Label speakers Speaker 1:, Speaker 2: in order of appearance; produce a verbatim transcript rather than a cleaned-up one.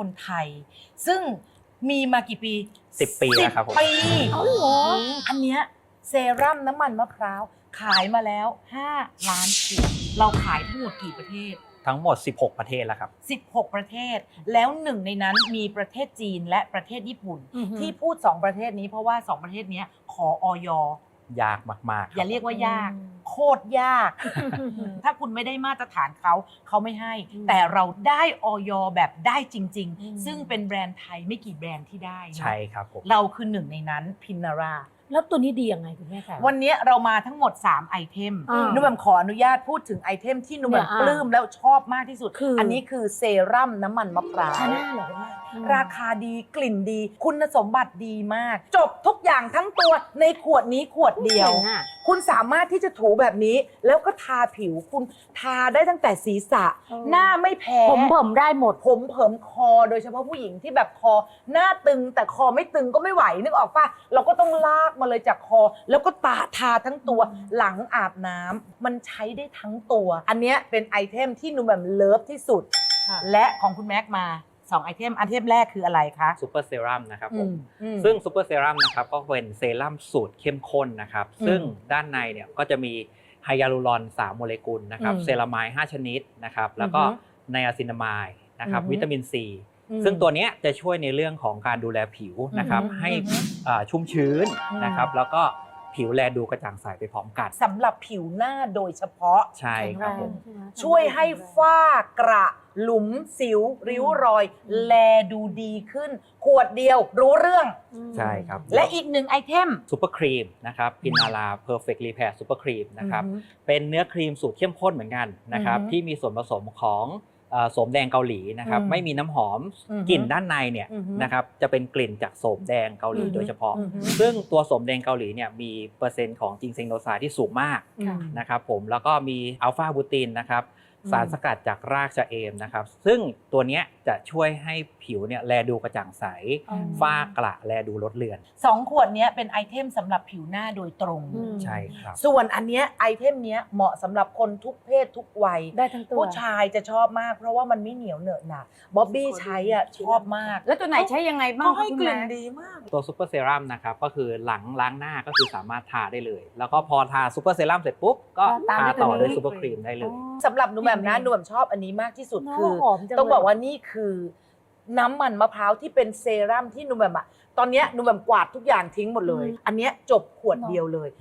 Speaker 1: คนไทย ซึ่งมีมากี่ปี
Speaker 2: สิบปีแล้วครับผม
Speaker 1: ปี
Speaker 3: เอาเหรอ
Speaker 1: อันเนี้ยเซรั่มน้ำมันมะพร้าวขายมาแล้วห้าล้านขวดเราขายทั้งหมดกี่ประเทศ
Speaker 2: ทั้งหมดสิบหกประเทศแล้วครับ
Speaker 1: สิบหกประเทศแล้วหนึ่งในนั้นมีประเทศจีนและประเทศญี่ปุ่น
Speaker 3: อือฮึ
Speaker 1: ที่พูดสองประเทศนี้เพราะว่าสองประเทศนี้ขออย
Speaker 2: ยากมากๆ
Speaker 1: อย่าเรียกว่ายาก
Speaker 3: อืม
Speaker 1: โคตรยาก ถ้าคุณไม่ได้มาตรฐานเขาเขาไม่ให้
Speaker 3: อืม
Speaker 1: แต่เราได้อย แบบได้จริง
Speaker 3: อืม
Speaker 1: ๆ ซึ่งเป็นแบรนด์ไทยไม่กี่แบรนด์ที่ได้นะ
Speaker 2: ใช่ครับผม
Speaker 1: เราคือหนึ่งในนั้นพินารา
Speaker 3: แล้วตัวนี้ดียังไงคุณแม่คะ
Speaker 1: วันนี้เรามาทั้งหมด สาม ไอเทม
Speaker 3: อ่า
Speaker 1: นุ่มแหม่มขออนุญาตพูดถึงไอเทมที่นุ่มแหม่ม
Speaker 3: เนี่ยอ่า
Speaker 1: ปลื้มแล้วชอบมากที่สุด
Speaker 3: คืออั
Speaker 1: นนี้คือเซรั่มน้ำมันมะพร้าว
Speaker 3: ชาแนลเหรอคุณแม่อืม
Speaker 1: ราคาดีกลิ่นดี คุณสมบัติดีมาก จบทุกอย่างทั้งตัวในขวดนี้ขวดเดียว
Speaker 3: จ๋งอะ
Speaker 1: คุณสามารถที่จะถูแบบนี้ แล้วก็ทาผิวคุณทาได้ตั้งแต่ศีรษะ
Speaker 3: เออ
Speaker 1: หน้าไม่แพ้
Speaker 3: ผมเบิ่มได้หมด
Speaker 1: ผมเผิมคอโดยเฉพาะผู้หญิงที่แบบคอหน้าตึงแต่คอไม่ตึงก็ไม่ไหวนึกออกปะเราก็ต้องลากมาเลยจากคอ แล้วก็ตาทาทั้งตัว
Speaker 3: อืม
Speaker 1: หลังอาบน้ำมันใช้ได้ทั้งตัว อันเนี้ยเป็นไอเทมที่หนูแบบเลิฟที่สุด
Speaker 3: ค่ะ
Speaker 1: และของคุณแม็กมาสองไอเทมอันเทมแรกคืออะไรคะ
Speaker 2: ซูเปอร์เซรั่มนะครับผม
Speaker 1: อืม
Speaker 2: ซึ่งซูเปอร์เซรั่มนะครับก็เป็นเซรั่มสูตรเข้มข้นนะครับ
Speaker 1: อืม
Speaker 2: ซึ่งด้านในเนี่ยก็จะมีไฮยาลูรอนสามโมเลกุลนะครับ
Speaker 1: อืม
Speaker 2: เซรามายห้าชนิดนะครับแล้วก็
Speaker 1: อือฮึ
Speaker 2: ไนอาซินามายนะครับ
Speaker 1: อือฮึ
Speaker 2: วิตามินซี
Speaker 1: อืม
Speaker 2: ซึ่งตัวเนี้ยจะช่วยในเรื่องของการดูแลผิวนะครับ
Speaker 1: อือฮึ
Speaker 2: ให้
Speaker 1: อือฮึ
Speaker 2: อ่าชุ่มชื้น
Speaker 1: อืม
Speaker 2: นะครับแล้วก็ผิวแลดูกระจ่างใสไปพร้อมกัน
Speaker 1: สำหรับผิวหน้าโดยเฉพาะ
Speaker 2: ใช่ครับผม
Speaker 3: ใช่ไหม
Speaker 1: ช่วยให้ฝ้ากระหลุมสิว ริ้วรอย แลดูดีขึ้น ขวดเดียวรู้เรื่อง
Speaker 3: อืม
Speaker 2: ใช่ครับ
Speaker 1: และอีกหนึ่งไอเทม
Speaker 2: ซูเปอร์ครีมนะครับพินาราเพอร์เฟกต์รีแพร์ซูเปอร์ครีมนะครับ
Speaker 1: อือฮึ
Speaker 2: เป็นเนื้อครีมสูตรเข้มข้นเหมือนกันนะครับ
Speaker 1: อือฮึ
Speaker 2: ที่มีส่วนผสมของเอ่อโสมแดงเกาหลีนะครับ
Speaker 1: อืม
Speaker 2: ไม่มีน้ำหอม
Speaker 1: อือฮึ
Speaker 2: กลิ่นด้านในเนี่ย
Speaker 1: อือฮึ
Speaker 2: นะครับจะเป็นกลิ่นจากโสมแดงเกาหลี
Speaker 1: อือฮึ
Speaker 2: โดยเฉพาะ
Speaker 1: อือฮึ
Speaker 2: ซึ่งตัวโสมแดงเกาหลีเนี่ยมีเปอร์เซ็นต์ของจิงเซงโนไซด์ที่สูงมาก
Speaker 3: ค่ะ
Speaker 2: นะครับผมแล้วก็มีอัลฟาบูตินนะครับ
Speaker 1: อืม
Speaker 2: สารสกัดจากรากชะเอมนะครับซึ่งตัวเนี้ยจะช่วยให้ผิวเนี่ยแลดูกระจ่างใส
Speaker 3: อืม
Speaker 2: ฝ้ากระแลดูลดเลือน
Speaker 1: สองขวดเนี้ยเป็นไอเทมสำหรับผิวหน้าโดยตรง
Speaker 3: อืม
Speaker 2: ใช่ครับ
Speaker 1: ส่วนอันเนี้ยไอเทมเนี้ยเหมาะสำหรับคนทุกเพศทุกวัย
Speaker 3: ได้ทั้งตัว
Speaker 1: ผู้ชายจะชอบมากเพราะว่ามันไม่เหนียวเหนอะหนะบ๊อบบี้ใช้อ่ะชอบมาก
Speaker 3: แล้วตัวไหนใช้ยังไงบ้าง
Speaker 1: เขาให้
Speaker 3: คะคุณ
Speaker 1: กลิ่น
Speaker 3: แม่
Speaker 1: ดีมาก
Speaker 2: ตัวซูเปอร์เซรั่มนะครับก็คือหลังล้างหน้าก็คือสามารถทาได้เลย แล้วก็พอทาซูเปอร์เซรั่มเสร็จปุ๊บก็
Speaker 3: ก็ตาม
Speaker 2: ทา
Speaker 3: ด้วย
Speaker 2: ต่อ
Speaker 3: ตัวนี้
Speaker 2: ด้วยซูเปอร์ครีมได้เลย
Speaker 1: สำหรับหนูแบบนะ
Speaker 3: ดี
Speaker 1: หนูแบบชอบอันนี้มากที่สุด
Speaker 3: เนอะ
Speaker 1: คือ
Speaker 3: หอมจัง
Speaker 1: ต้องบอก
Speaker 3: เลย
Speaker 1: ว่านี่คือน้ำมันมะพร้าวที่เป็นเซรั่มที่หนูแบบอะตอนเนี้ยหนูแบบกวาดทุกอย่างทิ้งหมดเลย อันเนี้ยจบขวดเดียวเลย